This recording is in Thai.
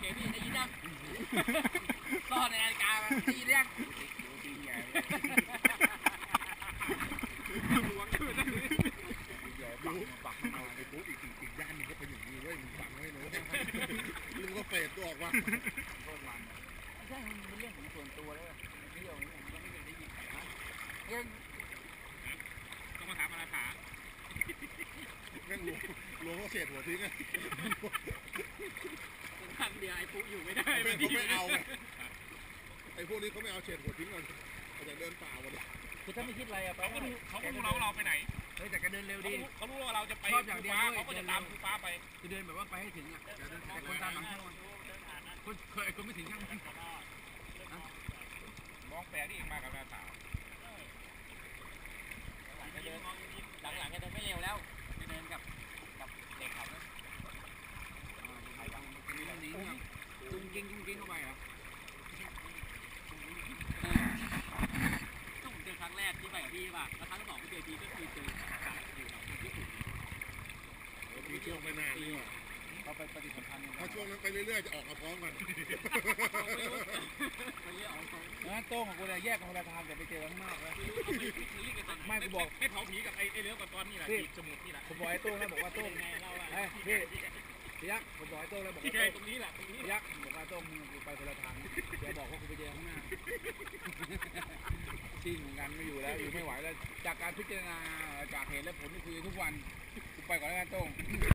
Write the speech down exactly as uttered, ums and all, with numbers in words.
พี่ได้ยินยังซ่อนในนาฬิกาได้ยินยังหวงขึ้นใหญ่ปักปักมาไอ้ปุ๊บอีกอีกย่านนึงก็เป็นอย่างนี้เว้ยมึงฟังไว้นะลุงก็เฟดตัวออกมาโคตรมันไม่ใช่มันเป็นเรื่องของส่วนตัวแล้วเที่ยวนี่ผมก็ไม่ได้ยินนะเรื่องต้องมาถามมาถามแม่งหลวงหลวงก็เศษหัวทิ้งไงทางเดียวไอ้ปุ๊อยู่ไม่ได้เขาไม่เอาไงไอ้พวกนี้เขาไม่เอาเศษหัวทิ้งกันเขาจะเดินป่าวันนี้คือถ้าไม่คิดอะไรอะเขาก็รู้เขาก็รู้เราเราไปไหนเฮ้ยแต่ก็เดินเร็วดีเขารู้ว่าเราจะไปภูฟ้าเขาก็จะตามภูฟ้าไปคือเดินแบบว่าไปให้ถึงอะแต่คนตามหลังเขาคนเคยคนไม่ถึงข้างนั้นมองแปลกที่เองมากับหน้าตาหลังๆก็เดินหลังๆก็เดินไม่เร็วแล้วจะเดินกับกับเด็กเขาเนี่ยจุงกิ้งจุงกิ้งเข้าไปเหรอต้องเจอครั้งแรกที่ไปกับพี่ป่ะแล้วครั้งสองที่เจอพี่ก็คือเจอจากอยู่กับคนญี่ปุ่นพี่ช่วงไปนานเลยว่ะเขาไปปฏิสัมพันธ์กันถ้าช่วงนั้นไปเรื่อยๆจะออกมาพร้อมกันนะโต้งของกูเลยแยกกันคนละทางแต่ไปเจอกันมากแล้วไม่กูบอกให้เผาผีกับไอ้ไอ้เลี้ยวกับตอนนี่แหละสมุดนี่แหละผมบอกไอ้โต้งแล้วบอกว่าโต้งไงเราอะพี่พี่ยักษ์ผมบอกไอ้โต้งแล้วบอกว่าตรงนี้แหละตรงนี้ยักษ์บอกว่าโต้งมึงไปคนละทางเดี๋ยวบอกว่ากูไปเจอข้างหน้าชิ่งเหมือนกันไม่อยู่แล้วอยู่ไม่ไหวแล้วจากการพิจารณาจากเหตุและผลที่คุยทุกวันกูไปก่อนแล้วกันโต้ง